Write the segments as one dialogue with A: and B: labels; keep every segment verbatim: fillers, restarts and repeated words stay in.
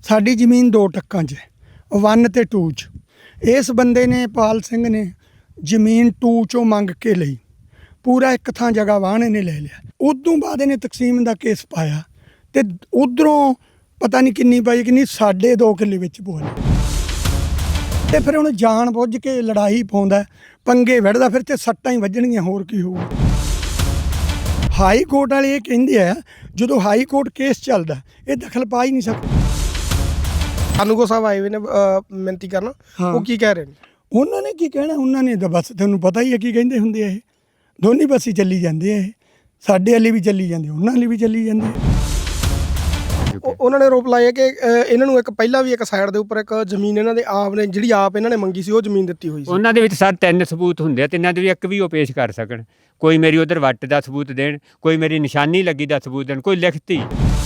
A: ਸਾਡੀ ਜ਼ਮੀਨ ਦੋ ਟੱਕਾਂ 'ਚ ਹੈ, ਵਨ ਤੇ ਟੂ 'ਚ। ਇਸ ਬੰਦੇ ਨੇ ਪਾਲ ਸਿੰਘ ਨੇ ਜ਼ਮੀਨ ਟੂ 'ਚੋਂ ਮੰਗ ਕੇ ਲਈ, ਪੂਰਾ ਇੱਕ ਥਾਂ ਜਗ੍ਹਾ ਵਾਹਣ ਇਹਨੇ ਲੈ ਲਿਆ। ਉਦੋਂ ਬਾਅਦ ਇਹਨੇ ਤਕਸੀਮ ਦਾ ਕੇਸ ਪਾਇਆ ਤੇ ਉਧਰੋਂ ਪਤਾ ਨਹੀਂ ਕਿੰਨੀ ਪਾਈ, ਕਿੰਨੀ ਸਾਢੇ ਦੋ ਕਿੱਲੇ ਵਿੱਚ ਬੋਲ ਤੇ ਫਿਰ ਹੁਣ ਜਾਣ ਬੁੱਝ ਕੇ ਲੜਾਈ ਪਾਉਂਦਾ, ਪੰਗੇ ਵੜਦਾ, ਫਿਰ ਤੇ ਸੱਟਾਂ ਹੀ ਵੱਜਣਗੀਆਂ, ਹੋਰ ਕੀ ਹੋਊਗਾ। ਹਾਈ ਕੋਰਟ ਵਾਲੇ ਇਹ ਕਹਿੰਦੇ ਆ ਜਦੋਂ ਹਾਈ ਕੋਰਟ ਕੇਸ ਚੱਲਦਾ ਇਹ ਦਖਲ ਪਾ ਹੀ ਨਹੀਂ ਸਕਦਾ।
B: ਕਾਨੂੰਗੋ ਸਾਹਿਬ ਆਏ ਹੋਏ ਨੇ ਮਿਹਨਤੀ ਕਰਨ, ਉਹ ਕੀ ਕਹਿ ਰਹੇ ਨੇ?
A: ਉਹਨਾਂ ਨੇ ਕੀ ਕਹਿਣਾ, ਉਹਨਾਂ ਨੇ ਤਾਂ ਬਸ ਤੁਹਾਨੂੰ ਪਤਾ ਹੀ ਹੈ ਕੀ ਕਹਿੰਦੇ ਹੁੰਦੇ ਆ, ਇਹ ਦੋਨੀ ਪਾਸੇ ਚੱਲੀ ਜਾਂਦੇ ਆ, ਇਹ ਸਾਡੇ ਵਾਲੀ ਵੀ ਚੱਲੀ ਜਾਂਦੇ, ਉਹਨਾਂ ਵਾਲੀ ਵੀ ਚੱਲੀ ਜਾਂਦੇ ਆ।
B: ਉਹਨਾਂ ਨੇ ਆਰੋਪ ਲਾਇਆ ਕਿ ਇਹਨਾਂ ਨੂੰ ਇੱਕ ਪਹਿਲਾਂ ਵੀ ਇੱਕ ਸਾਈਡ ਦੇ ਉੱਪਰ ਇੱਕ ਜ਼ਮੀਨ ਇਹਨਾਂ ਦੇ ਆਪ ਨੇ ਜਿਹੜੀ ਆਪ ਇਹਨਾਂ ਨੇ ਮੰਗੀ ਸੀ ਉਹ ਜ਼ਮੀਨ ਦਿੱਤੀ ਹੋਈ ਸੀ।
C: ਉਹਨਾਂ ਦੇ ਵਿੱਚ ਸਰ ਤਿੰਨ ਸਬੂਤ ਹੁੰਦੇ ਆ, ਤਿੰਨਾਂ ਦੇ ਵੀ ਇੱਕ ਵੀ ਉਹ ਪੇਸ਼ ਕਰ ਸਕਣ। ਕੋਈ ਮੇਰੀ ਉਧਰ ਵੱਟ ਦਾ ਸਬੂਤ ਦੇਣ, ਕੋਈ ਮੇਰੀ ਨਿਸ਼ਾਨੀ ਲੱਗੀ ਦਾ ਸਬੂਤ ਦੇਣ, ਕੋਈ ਲਿਖਤੀ।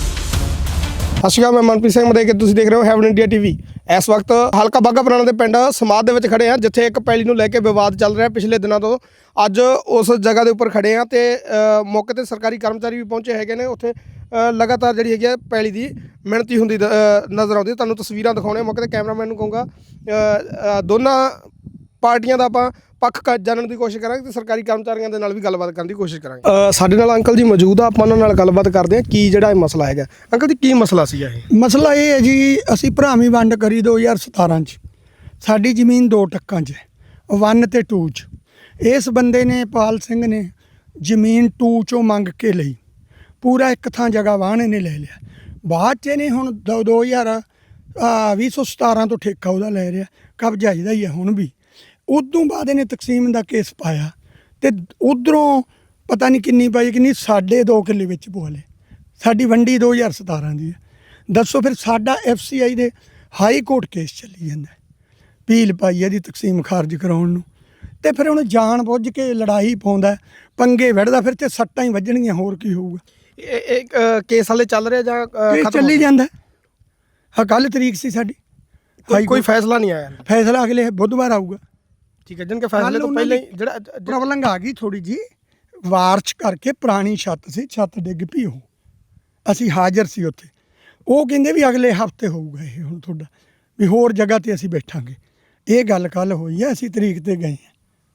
B: ਸਤਿ ਸ਼੍ਰੀ ਅਕਾਲ, ਮੈਂ ਮਨਪ੍ਰੀਤ ਸਿੰਘ ਮਦੇ ਕਿ ਤੁਸੀਂ ਦੇਖ ਰਹੇ ਹੋ ਹੈਵਨ ਇੰਡੀਆ ਟੀਵੀ। ਇਸ ਵਕਤ ਹਲਕਾ ਬਾਘਾ ਪੁਰਾਣਾ ਦੇ ਪਿੰਡ ਸਮਾਧ ਦੇ ਵਿੱਚ ਖੜੇ ਹਾਂ, ਜਿੱਥੇ ਇੱਕ ਪੈਲੀ ਨੂੰ ਲੈ ਕੇ ਵਿਵਾਦ ਚੱਲ ਰਿਹਾ ਪਿਛਲੇ ਦਿਨਾਂ ਤੋਂ। ਅੱਜ ਉਸ ਜਗ੍ਹਾ ਦੇ ਉੱਪਰ ਖੜੇ ਹਾਂ ਤੇ ਮੌਕੇ ਤੇ ਸਰਕਾਰੀ ਕਰਮਚਾਰੀ ਵੀ ਪਹੁੰਚੇ ਹੈਗੇ ਨੇ। ਉੱਥੇ ਲਗਾਤਾਰ ਜਿਹੜੀ ਹੈਗੀ ਆ ਪੈਲੀ ਦੀ ਮਿਹਨਤੀ ਹੁੰਦੀ ਨਜ਼ਰ ਆਉਂਦੀ। ਤੁਹਾਨੂੰ ਤਸਵੀਰਾਂ ਦਿਖਾਉਣੇ ਮੌਕੇ ਤੇ ਕੈਮਰਾਮੈਨ ਨੂੰ ਕਹੂੰਗਾ ਦੋਨਾਂ ਪਾਰਟੀਆਂ ਦਾ ਆਪਾਂ ਪੱਖ ਜਾਣਨ ਦੀ ਕੋਸ਼ਿਸ਼ ਕਰਾਂਗੇ ਤੇ ਸਰਕਾਰੀ ਕਰਮਚਾਰੀਆਂ ਦੇ ਨਾਲ ਵੀ ਗੱਲਬਾਤ ਕਰਨ ਦੀ ਕੋਸ਼ਿਸ਼ ਕਰਾਂਗੇ। ਸਾਡੇ ਨਾਲ ਅੰਕਲ ਜੀ ਮੌਜੂਦ ਆ, ਆਪਾਂ ਉਹਨਾਂ ਨਾਲ ਗੱਲਬਾਤ ਕਰਦੇ ਹਾਂ ਕੀ ਜਿਹੜਾ ਇਹ ਮਸਲਾ ਹੈਗਾ। ਅੰਕਲ ਜੀ ਕੀ ਮਸਲਾ ਸੀਗਾ ਇਹ?
A: ਮਸਲਾ ਇਹ ਹੈ ਜੀ, ਅਸੀਂ ਭਰਾਵੀਂ ਵੰਡ ਕਰੀ ਦੋ ਹਜ਼ਾਰ ਸਤਾਰਾਂ 'ਚ। ਸਾਡੀ ਜ਼ਮੀਨ ਦੋ ਟੱਕਾਂ 'ਚ ਹੈ, ਵਨ ਤੇ ਟੂ 'ਚ। ਇਸ ਬੰਦੇ ਨੇ ਪਾਲ ਸਿੰਘ ਨੇ ਜ਼ਮੀਨ ਟੂ 'ਚੋਂ ਮੰਗ ਕੇ ਲਈ, ਪੂਰਾ ਇੱਕ ਥਾਂ ਜਗ੍ਹਾ ਵਾਹਣ ਇਹਨੇ ਲੈ ਲਿਆ। ਬਾਅਦ 'ਚ ਇਹਨੇ ਹੁਣ ਦੋ ਦੋ ਹਜ਼ਾਰ ਵੀਹ ਸੌ ਸਤਾਰਾਂ ਤੋਂ ਠੇਕਾ ਉਹਦਾ ਲੈ ਰਿਹਾ, ਕਬਜ਼ਾ ਇਹਦਾ ਹੀ ਹੈ ਹੁਣ ਵੀ। ਉਦੋਂ ਬਾਅਦ ਇਹਨੇ ਤਕਸੀਮ ਦਾ ਕੇਸ ਪਾਇਆ ਤੇ ਉਧਰੋਂ ਪਤਾ ਨਹੀਂ ਕਿੰਨੀ ਪਾਈ, ਕਿੰਨੀ ਸਾਢੇ ਦੋ ਕਿੱਲੇ ਵਿੱਚ ਬੋਲੇ। ਸਾਡੀ ਵੰਡੀ ਦੋ ਹਜ਼ਾਰ ਸਤਾਰਾਂ ਦੀ ਹੈ। ਦੱਸੋ ਫਿਰ ਸਾਡਾ ਐਫ ਸੀ ਆਈ ਦੇ ਹਾਈ ਕੋਰਟ ਕੇਸ ਚੱਲੀ ਜਾਂਦਾ, ਪੀਲ ਪਾਈ ਇਹਦੀ ਤਕਸੀਮ ਖਾਰਜ ਕਰਾਉਣ ਨੂੰ। ਤੇ ਫਿਰ ਹੁਣ ਜਾਣ ਬੁੱਝ ਕੇ ਲੜਾਈ ਪਾਉਂਦਾ, ਪੰਗੇ ਵੜਦਾ, ਫਿਰ ਤੇ ਸੱਟਾਂ ਹੀ ਵੱਜਣਗੀਆਂ, ਹੋਰ ਕੀ ਹੋਊਗਾ।
B: ਇਹ ਕੇਸ ਹਾਲੇ ਚੱਲ ਰਿਹਾ ਜਾਂ
A: ਚੱਲੀ ਜਾਂਦਾ? ਹਾਂ, ਕੱਲ੍ਹ ਤਰੀਕ ਸੀ ਸਾਡੀ,
B: ਕੋਈ ਫੈਸਲਾ ਨਹੀਂ ਆਇਆ?
A: ਫੈਸਲਾ ਅਗਲੇ ਬੁੱਧਵਾਰ ਆਊਗਾ।
B: ਠੀਕ ਹੈ, ਜਿਨਕੇ ਫੈਸਲੇ ਤੋਂ ਪਹਿਲਾਂ ਹੀ ਜਿਹੜਾ
A: ਪ੍ਰੋਬਲਮ ਆ ਗਈ ਥੋੜੀ ਜੀ, ਵਾਰਚ ਕਰਕੇ ਪੁਰਾਣੀ ਛੱਤ ਸੀ, ਛੱਤ ਡਿੱਗ ਪਈ। ਉਹ ਅਸੀਂ ਹਾਜ਼ਰ ਸੀ ਉੱਥੇ। ਉਹ ਕਹਿੰਦੇ ਵੀ ਅਗਲੇ ਹਫਤੇ ਹੋਊਗਾ ਇਹ ਹੁਣ ਤੁਹਾਡਾ, ਵੀ ਹੋਰ ਜਗ੍ਹਾ ਤੇ ਅਸੀਂ ਬੈਠਾਂਗੇ। ਇਹ ਗੱਲ ਕੱਲ ਹੋਈ ਹੈ, ਅਸੀਂ ਤਰੀਕ ਤੇ ਗਏ ਹਾਂ।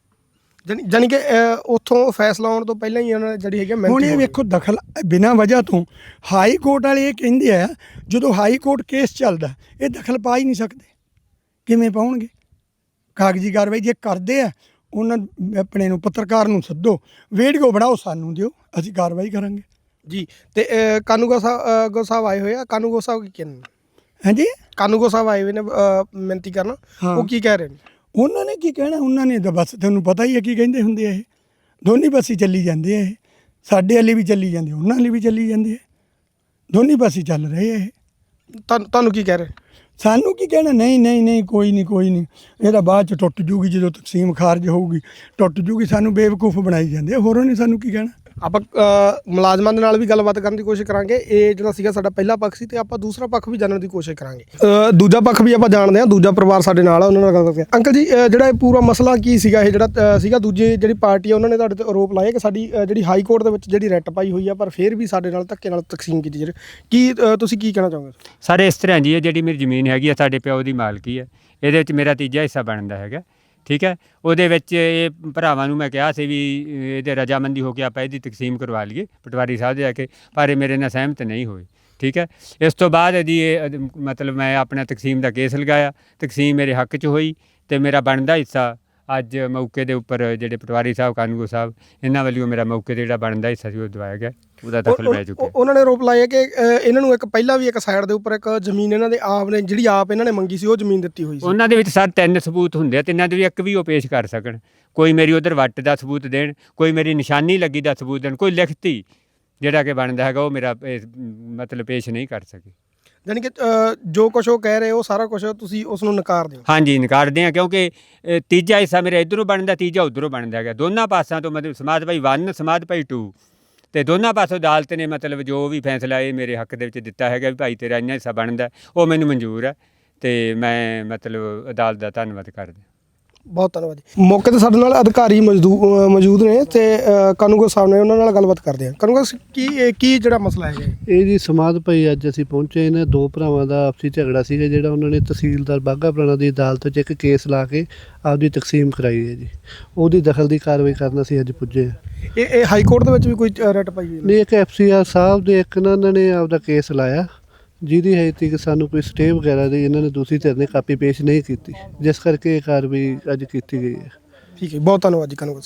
B: ਜਾਨੀ ਕਿ ਉੱਥੋਂ ਫੈਸਲਾ ਆਉਣ ਤੋਂ ਪਹਿਲਾਂ ਹੀ ਉਹਨਾਂ ਨੇ ਜਿਹੜੀ ਹੈਗੀ
A: ਹੁਣ ਇਹ ਵੇਖੋ ਦਖਲ ਬਿਨਾਂ ਵਜ੍ਹਾ ਤੋਂ ਹਾਈ ਕੋਰਟ ਵਾਲੇ ਇਹ ਕਹਿੰਦੇ ਆ ਜਦੋਂ ਹਾਈ ਕੋਰਟ ਕੇਸ ਚੱਲਦਾ ਇਹ ਦਖਲ ਪਾ ਹੀ ਨਹੀਂ ਸਕਦੇ। ਕਿਵੇਂ ਪਾਉਣਗੇ? ਕਾਗਜ਼ੀ ਕਾਰਵਾਈ ਜੇ ਕਰਦੇ ਆ, ਉਹਨਾਂ ਆਪਣੇ ਨੂੰ ਪੱਤਰਕਾਰ ਨੂੰ ਸੱਦੋ, ਵੀਡੀਓ ਬਣਾਓ, ਸਾਨੂੰ ਦਿਓ, ਅਸੀਂ ਕਾਰਵਾਈ ਕਰਾਂਗੇ
B: ਜੀ। ਤੇ ਕਾਨੂੰਗੋ ਸਾਹਿਬ ਗੋ ਸਾਹਿਬ ਆਏ ਹੋਏ ਆ, ਕਾਨੂੰਗੋ ਸਾਹਿਬ ਕੀ ਕਹਿੰਦੇ?
A: ਹਾਂਜੀ,
B: ਕਾਨੂੰਗੋ ਸਾਹਿਬ ਆਏ ਹੋਏ ਨੇ ਮਿਹਨਤੀ ਕਰਨ, ਉਹ ਕੀ ਕਹਿ ਰਹੇ ਨੇ?
A: ਉਹਨਾਂ ਨੇ ਕੀ ਕਹਿਣਾ, ਉਹਨਾਂ ਨੇ ਤਾਂ ਬਸ ਤੁਹਾਨੂੰ ਪਤਾ ਹੀ ਹੈ ਕੀ ਕਹਿੰਦੇ ਹੁੰਦੇ ਆ, ਇਹ ਦੋਨੀ ਪਾਸੇ ਚੱਲੀ ਜਾਂਦੇ ਆ, ਇਹ ਸਾਡੇ ਵਾਲੀ ਵੀ ਚੱਲੀ ਜਾਂਦੇ, ਉਹਨਾਂ ਵਾਲੀ ਵੀ ਚੱਲੀ ਜਾਂਦੇ ਆ, ਦੋਨੀ ਪਾਸੇ ਚੱਲ ਰਹੇ ਆ ਇਹ।
B: ਤੁਹਾਨੂੰ ਤੁਹਾਨੂੰ ਕੀ ਕਹਿ ਰਹੇ?
A: ਸਾਨੂੰ ਕੀ ਕਹਿਣਾ? ਨਹੀਂ ਨਹੀਂ ਨਹੀਂ ਕੋਈ ਨਹੀਂ ਕੋਈ ਨਹੀਂ, ਇਹਦਾ ਬਾਅਦ 'ਚ ਟੁੱਟ ਜੂਗੀ, ਜਦੋਂ ਤਕਸੀਮ ਖਾਰਜ ਹੋਊਗੀ ਟੁੱਟ ਜੂਗੀ। ਸਾਨੂੰ ਬੇਵਕੂਫ ਬਣਾਈ ਜਾਂਦੇ ਆ, ਹੋਰਾਂ ਨੇ ਸਾਨੂੰ ਕੀ ਕਹਿਣਾ।
B: ਆਪਾਂ ਮੁਲਾਜ਼ਮਾਂ ਦੇ ਨਾਲ ਵੀ ਗੱਲਬਾਤ ਕਰਨ ਦੀ ਕੋਸ਼ਿਸ਼ ਕਰਾਂਗੇ। ਇਹ ਜਿਹੜਾ ਸੀਗਾ ਸਾਡਾ ਪਹਿਲਾ ਪੱਖ ਸੀ ਤੇ ਆਪਾਂ ਦੂਸਰਾ ਪੱਖ ਵੀ ਜਾਣਨ ਦੀ ਕੋਸ਼ਿਸ਼ ਕਰਾਂਗੇ। ਦੂਜਾ ਪੱਖ ਵੀ ਆਪਾਂ ਜਾਣਦੇ ਹਾਂ, ਦੂਜਾ ਪਰਿਵਾਰ ਸਾਡੇ ਨਾਲ ਆ, ਉਹਨਾਂ ਨਾਲ ਗੱਲ ਕਰਦੇ ਹਾਂ। ਅੰਕਲ ਜੀ, ਜਿਹੜਾ ਇਹ ਪੂਰਾ ਮਸਲਾ ਕੀ ਸੀਗਾ, ਇਹ ਜਿਹੜਾ ਸੀਗਾ ਦੂਜੀ ਜਿਹੜੀ ਪਾਰਟੀ ਆ ਉਹਨਾਂ ਨੇ ਤੁਹਾਡੇ ਤੇ ਆਰੋਪ ਲਾਇਆ ਕਿ ਸਾਡੀ ਜਿਹੜੀ ਹਾਈ ਕੋਰਟ ਦੇ ਵਿੱਚ ਜਿਹੜੀ ਰੈਟ ਪਾਈ ਹੋਈ ਆ, ਪਰ ਫਿਰ ਵੀ ਸਾਡੇ ਨਾਲ ਧੱਕੇ ਨਾਲ ਤਕਸੀਮ ਕੀਤੀ ਜਿਹੜੀ, ਕੀ ਤੁਸੀਂ ਕੀ ਕਹਿਣਾ ਚਾਹੋਗੇ?
C: ਸਰ ਇਸ ਤਰ੍ਹਾਂ ਜੀ, ਇਹ ਜਿਹੜੀ ਮੇਰੀ ਜ਼ਮੀਨ ਹੈਗੀ ਆ ਸਾਡੇ ਪਿਓ ਦੀ ਮਾਲਕੀ ਹੈ, ਇਹਦੇ ਵਿੱਚ ਮੇਰਾ ਤੀਜਾ ਹਿੱਸਾ ਬਣਦਾ ਹੈਗਾ। ਠੀਕ ਹੈ, ਉਹਦੇ ਵਿੱਚ ਇਹ ਭਰਾਵਾਂ ਨੂੰ ਮੈਂ ਕਿਹਾ ਸੀ ਵੀ ਇਹਦੇ ਰਜਾਮੰਦੀ ਹੋ ਕੇ ਆਪਾਂ ਇਹਦੀ ਤਕਸੀਮ ਕਰਵਾ ਲਈਏ ਪਟਵਾਰੀ ਸਾਹਿਬ ਦੇ ਜਾ ਕੇ, ਪਰ ਇਹ ਮੇਰੇ ਨਾਲ ਸਹਿਮਤ ਨਹੀਂ ਹੋਏ। ਠੀਕ ਹੈ, ਇਸ ਤੋਂ ਬਾਅਦ ਇਹਦੀ ਇਹ ਮਤਲਬ ਮੈਂ ਆਪਣਾ ਤਕਸੀਮ ਦਾ ਕੇਸ ਲਗਾਇਆ, ਤਕਸੀਮ ਮੇਰੇ ਹੱਕ 'ਚ ਹੋਈ ਤੇ ਮੇਰਾ ਬਣਦਾ ਹਿੱਸਾ ਅੱਜ ਮੌਕੇ ਦੇ ਉੱਪਰ ਜਿਹੜੇ ਪਟਵਾਰੀ ਸਾਹਿਬ ਕਾਨੂੰਗੋ ਸਾਹਿਬ ਇਹਨਾਂ ਵੱਲੋਂ ਮੇਰਾ ਮੌਕੇ 'ਤੇ ਜਿਹੜਾ ਬਣਦਾ ਹਿੱਸਾ ਸੀ ਉਹ ਦਵਾਇਆ ਗਿਆ, ਉਹਦਾ ਦਖਲ ਪੈ ਚੁੱਕਿਆ।
B: ਉਹਨਾਂ ਨੇ ਆਰੋਪ ਲਾਇਆ ਕਿ ਇਹਨਾਂ ਨੂੰ ਇੱਕ ਪਹਿਲਾਂ ਵੀ ਇੱਕ ਸਾਈਡ ਦੇ ਉੱਪਰ ਇੱਕ ਜ਼ਮੀਨ ਇਹਨਾਂ ਦੇ ਆਪ ਨੇ ਜਿਹੜੀ ਆਪ ਇਹਨਾਂ ਨੇ ਮੰਗੀ ਸੀ ਉਹ ਜ਼ਮੀਨ ਦਿੱਤੀ ਹੋਈ ਸੀ।
C: ਉਹਨਾਂ ਦੇ ਵਿੱਚ ਸਰ ਤਿੰਨ ਸਬੂਤ ਹੁੰਦੇ ਆ, ਤਿੰਨਾਂ ਦੇ ਵੀ ਇੱਕ ਵੀ ਉਹ ਪੇਸ਼ ਕਰ ਸਕਣ। ਕੋਈ ਮੇਰੀ ਉਧਰ ਵੱਟ ਦਾ ਸਬੂਤ ਦੇਣ, ਕੋਈ ਮੇਰੀ ਨਿਸ਼ਾਨੀ ਲੱਗੀ ਦਾ ਸਬੂਤ ਦੇਣ, ਕੋਈ ਲਿਖਤੀ ਜਿਹੜਾ ਕਿ ਬਣਦਾ ਹੈਗਾ ਉਹ ਮੇਰਾ ਮਤਲਬ ਪੇਸ਼ ਨਹੀਂ ਕਰ ਸਕੇ।
B: ਜਾਨੀ ਕਿ ਜੋ ਕੁਛ ਉਹ ਕਹਿ ਰਹੇ ਉਹ ਸਾਰਾ ਕੁਛ ਤੁਸੀਂ ਉਸ ਨੂੰ ਨਕਾਰਦੇ ਹੋ?
C: ਹਾਂਜੀ, ਨਕਾਰਦੇ ਹਾਂ, ਕਿਉਂਕਿ ਤੀਜਾ ਹਿੱਸਾ ਮੇਰਾ ਇੱਧਰੋਂ ਬਣਦਾ, ਤੀਜਾ ਉੱਧਰੋਂ ਬਣਦਾ ਹੈਗਾ। ਦੋਨਾਂ ਪਾਸਿਆਂ ਤੋਂ ਮਤਲਬ ਸਮਾਧ ਭਾਈ ਵਨ, ਸਮਾਧ ਭਾਈ ਟੂ, ਤੇ ਦੋਨਾਂ ਪਾਸੋਂ ਅਦਾਲਤ ਨੇ ਮਤਲਬ ਜੋ ਵੀ ਫੈਸਲਾ ਇਹ ਮੇਰੇ ਹੱਕ ਦੇ ਵਿੱਚ ਦਿੱਤਾ ਹੈਗਾ ਵੀ ਭਾਈ ਤੇਰਾ ਇੰਨਾ ਹਿੱਸਾ ਬਣਦਾ, ਉਹ ਮੈਨੂੰ ਮਨਜ਼ੂਰ ਹੈ ਤੇ ਮੈਂ ਮਤਲਬ ਅਦਾਲਤ ਦਾ ਧੰਨਵਾਦ ਕਰਦਾ।
B: ਬਹੁਤ ਧੰਨਵਾਦ ਜੀ। ਮੌਕੇ ਤੇ ਸਾਡੇ ਨਾਲ ਅਧਿਕਾਰੀ ਮੌਜੂਦ ਮੌਜੂਦ ਨੇ ਤੇ ਅ, ਕਾਨੂੰਗੋ ਸਾਹਿਬ ਨੇ, ਉਹਨਾਂ ਨਾਲ ਗੱਲਬਾਤ ਕਰਦੇ ਹਾਂ। ਕਾਨੂੰਗੋ ਸ- ਕੀ ਇਹ ਕੀ ਜਿਹੜਾ ਮਸਲਾ ਹੈਗਾ ਹੈ?
D: ਇਹ ਜੀ ਸਮਾਧ ਭਾਈ ਅੱਜ ਅਸੀਂ ਪਹੁੰਚੇ, ਇਹਨਾਂ ਦੋ ਭਰਾਵਾਂ ਦਾ ਆਪਸੀ ਝਗੜਾ ਸੀਗਾ, ਜਿਹੜਾ ਉਹਨਾਂ ਨੇ ਤਹਿਸੀਲਦਾਰ ਬਾਘਾ ਪੁਰਾਣਾ ਦੀ ਅਦਾਲਤ 'ਚ ਇੱਕ ਕੇਸ ਲਾ ਕੇ ਆਪਦੀ ਤਕਸੀਮ ਕਰਾਈ ਹੈ ਜੀ। ਉਹਦੀ ਦਖਲ ਦੀ ਕਾਰਵਾਈ ਕਰਨ ਅਸੀਂ ਅੱਜ ਪੁੱਜੇ ਹਾਂ।
B: ਇਹ ਇਹ ਹਾਈ ਕੋਰਟ ਦੇ ਵਿੱਚ ਵੀ ਕੋਈ ਰਟ ਪਾਈ ਹੋਈ ਹੈ?
D: ਨਹੀਂ, ਇੱਕ ਐਫ ਸੀ ਆਰ ਸਾਹਿਬ ਦੇ ਇੱਕ ਨਾ ਇਹਨਾਂ ਨੇ ਆਪਦਾ ਕੇਸ ਲਾਇਆ, ਜਿਹਦੀ ਹਜੇ ਤੱਕ ਸਾਨੂੰ ਕੋਈ ਸਟੇ ਵਗੈਰਾ ਦੀ ਇਹਨਾਂ ਨੇ ਦੂਸਰੀ ਧਿਰ ਨੇ ਕਾਪੀ ਪੇਸ਼ ਨਹੀਂ ਕੀਤੀ, ਜਿਸ ਕਰਕੇ ਇਹ ਕਾਰਵਾਈ ਅੱਜ ਕੀਤੀ ਗਈ ਹੈ।
B: ਠੀਕ ਹੈ, ਬਹੁਤ ਧੰਨਵਾਦ ਜੀ ਕਾਨੂੰਗੋ।